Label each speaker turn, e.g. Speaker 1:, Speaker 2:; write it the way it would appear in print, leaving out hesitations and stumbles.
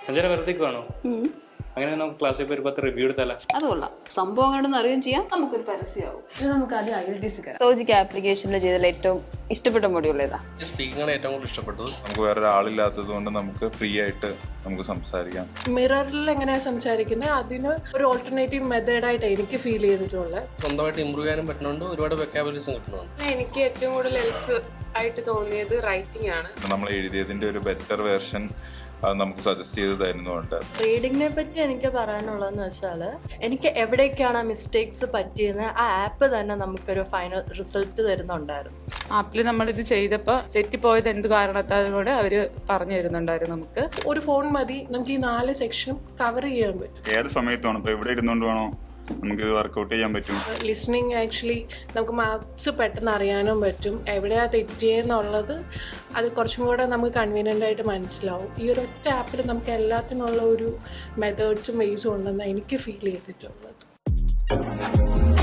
Speaker 1: അഞ്ചന വെറുതേക്ക് വേണോ? അങ്ങനെ നമുക്ക് ക്ലാസ്സിൽ പോയി 10 റിവ്യൂ എടുത്താലോ?
Speaker 2: അത് കൊള്ളാം. സംഭവം കണ്ടെന്ന് അറിയുകയും ചെയ്യാം, നമുക്കൊരു പരസ്യമാവും.
Speaker 3: നമുക്ക് ആദ്യം IELTS കയറാം.
Speaker 2: സോജിക്ക് ആപ്ലിക്കേഷനിൽ ചെയ്തതിൽ ഏറ്റവും ഇഷ്ടപ്പെട്ട മൊഡ്യൂൾ ഏതാ?
Speaker 4: സ്പീക്കിംഗ് ആണ് ഏറ്റവും കൂടുതൽ ഇഷ്ടപ്പെട്ടത്.
Speaker 5: നമുക്ക് വേറെ ഒരാളില്ലാത്തത് കൊണ്ട് നമുക്ക് ഫ്രീ ആയിട്ട് നമുക്ക് സംസാരിക്കാം.
Speaker 3: മിററിൽ എങ്ങനെയാണ് സംസാരിക്കുന്നത് അതിന് ഒരു ഓൾട്ടർനേറ്റീവ് മെത്തേഡായിട്ട് എനിക്ക് ഫീൽ ചെയ്തിട്ടുള്ളത്.
Speaker 4: സ്വന്തമായിട്ട് ഇമ്പ്രൂവ് ചെയ്യാനും പറ്റുന്നുണ്ട്, ഒരുപാട് വെക്കാബുലറീസും കിട്ടുന്നുണ്ട്.
Speaker 6: എനിക്ക് ഏറ്റവും കൂടുതൽ ഹെൽപ്പ് ആയിട്ട് തോന്നിയത് റൈറ്റിംഗ് ആണ്.
Speaker 5: നമ്മൾ എഴുതിയതിൻ്റെ ഒരു ബെറ്റർ വേർഷൻ അത് നമുക്ക് സജസ്റ്റ് ചെയ്ത് തരുന്നുണ്ട്.
Speaker 7: റീഡിങ്ങിനെ പറ്റി എനിക്ക് പറയാനുള്ളതെന്ന് വെച്ചാൽ എനിക്ക് എവിടേക്കാണ് മിസ്റ്റേക്സ് പറ്റിയെന്ന് ആ ആപ്പ് തന്നെ നമുക്കൊരു ഫൈനൽ റിസൾട്ട് തരുന്നുണ്ടായിരുന്നു.
Speaker 8: ആപ്പിൽ നമ്മളിത് ചെയ്തപ്പോൾ തെറ്റിപ്പോയത് എന്ത് കാരണത്താൽ കൂടെ അവർ പറഞ്ഞു തരുന്നുണ്ടായിരുന്നു. നമുക്ക്
Speaker 3: ഒരു ഫോൺ മതി നമുക്ക് ഈ 4 സെക്ഷനും കവർ ചെയ്യാൻ പറ്റും.
Speaker 5: ഏത് സമയത്താണ് ഇപ്പോൾ എവിടെ ഇരുന്നുകൊണ്ട് വേണോ നമുക്കിത് വർക്കൗട്ട് ചെയ്യാൻ പറ്റും.
Speaker 3: ലിസണിങ് ആക്ച്വലി നമുക്ക് മാർക്സ് പെട്ടെന്ന് അറിയാനും പറ്റും. എവിടെയാണ് തെറ്റിയെന്നുള്ളത് അത് കുറച്ചും കൂടെ നമുക്ക് കൺവീനിയൻ്റ് ആയിട്ട് മനസ്സിലാവും. ഈ ഒരു ഒറ്റ ആപ്പിൽ നമുക്ക് എല്ലാത്തിനുള്ള ഒരു മെത്തേഡ്സും വേസും ഉണ്ടെന്ന് എനിക്ക് ഫീൽ ചെയ്തിട്ടുള്ളത്.